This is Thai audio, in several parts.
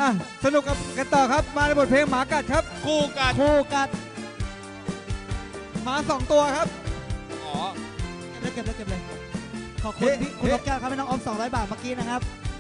อ่ะสนุกกันต่อครับมาในบทเพลงหมากัดครับคู่กันคู่กัดหมา2 ตัวครับอ๋อเก็บเลยขอบคุณพี่คุณนกแก้วครับให้น้องออม200 บาทเมื่อกี้นะครับ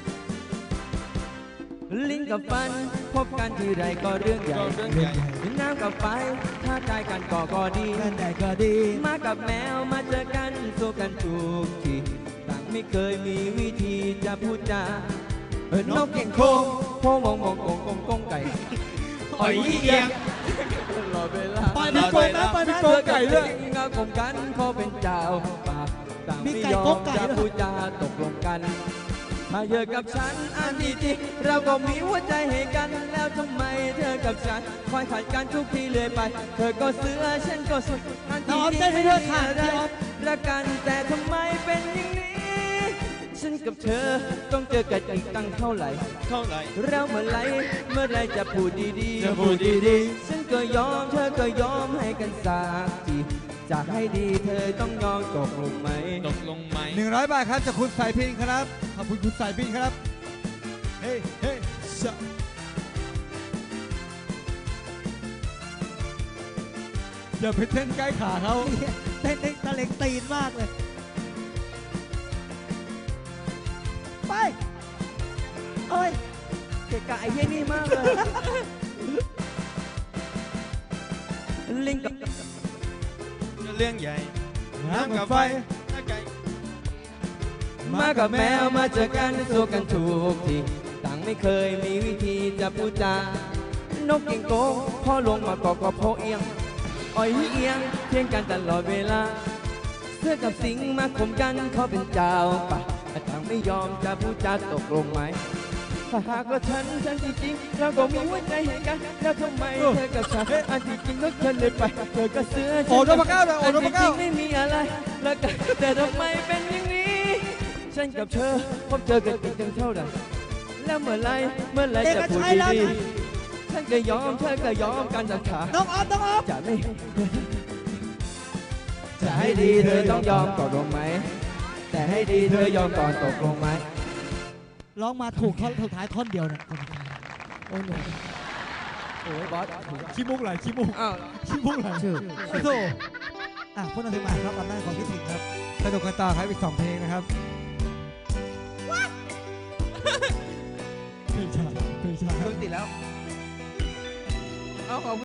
ลิ้นกับฟันพบกันทีไรก็เรื่องใหญ่เรื่องใหญ่น้ำกับไฟถ้าใจกันก็ดีเงินใหญ่ก็ดีมากับแมวมาเจอกันสู้กันทุกทีต่างไม่เคยมีวิธีจะพูดจานกเก่งโค้งโค้งมองกงไก่หอยเอียงตลอดเวลาปล่อยมันโกงนะปล่อยมันเจอไก่เรื่องงาของกันเขาเป็นเจ้าป่าต่างไม่ยอมจะพูดจาตกลงกันมาเยอะกับฉันอันที่จริงเราก็มีหัวใจให้กันแล้วทำไมเธอกับฉันคอยขัดกันทุกทีเลยไป เธอก็เสือฉันก็สุดอันที่จริงไม่ได้อะไรรักกันแต่ทำไมเป็นอย่างนี้ฉันกับเธอต้องเจอกันอีกตั้งเท่าไหร่เท่าไหร่เราเมื่อไรจะพูดดีๆจะพูดดีฉันก็ยอมเธอก็ยอมให้กันสักทีจะให้ดีเธอต้องยอมตกลงไหมตกลงไหม 100 บาทครับจากคุณสายพินครับขอบคุณคุณสายพินครับเฮ้เฮ้ชะอย่าไปเต้นใกล้ขาเขาเต้นตะเล็งตีนมากเลย ไปเอ้ยเกะกะไอ้เหี้ยนี่มากเลยลิงกับเรื่องใหญ่น้ำกับไฟน้ำไก่มากับแมวมาเจอกันสู้กันทุกทีต่างไม่เคยมีวิธีจะพูดจานกเก่งโกงพ่อลงมาก็พ่อเอียงอ่อยเอียงเที่ยงกันตลอดเวลาเสื้อกับสิงมาข่มกันเขาเป็นเจ้าป่าต่างไม่ยอมจะพูดจาตกลงไหมถ้าหากว่าฉันจริงๆเราก็มีหัวใจให้กันแล้วทำไมเธอกับฉันอันที่จริงก็เกินเลยไปเธอก็เสื้อโอ้โดนมาเก้าเลยโอ้โดนมาเก้าจริงไม่มีอะไรแล้วกันแต่ทำไมเป็นอย่างนี้ ฉันกับเธอพบเจอกันอีกตั้งเท่าไหร่แล้วเมื่อไรจะพูดดีๆฉันก็ยอมเธอก็ยอมกันสักขาน้องออมน้องออมจะไม่จะให้ดีเธอต้องยอมตกลงไหมแต่ให้ดีเธอยอมก่อนตกลงไหมร้องมาถูกท่อนสุดท้ายท่อนเดียวเนี่ยโอ้โหโอ้ยบอสขี้มุกไหลขี้มุกอ้าวขี้มุกไหลชื่อโอ้โหอ่ะพูดถึงมาครับอำนาจของพี่ถึงครับสนุกกันต่อครับอีก2 เพลงนะครับเพลงช้าเพลงช้าเครื่องติดแล้วเอาของ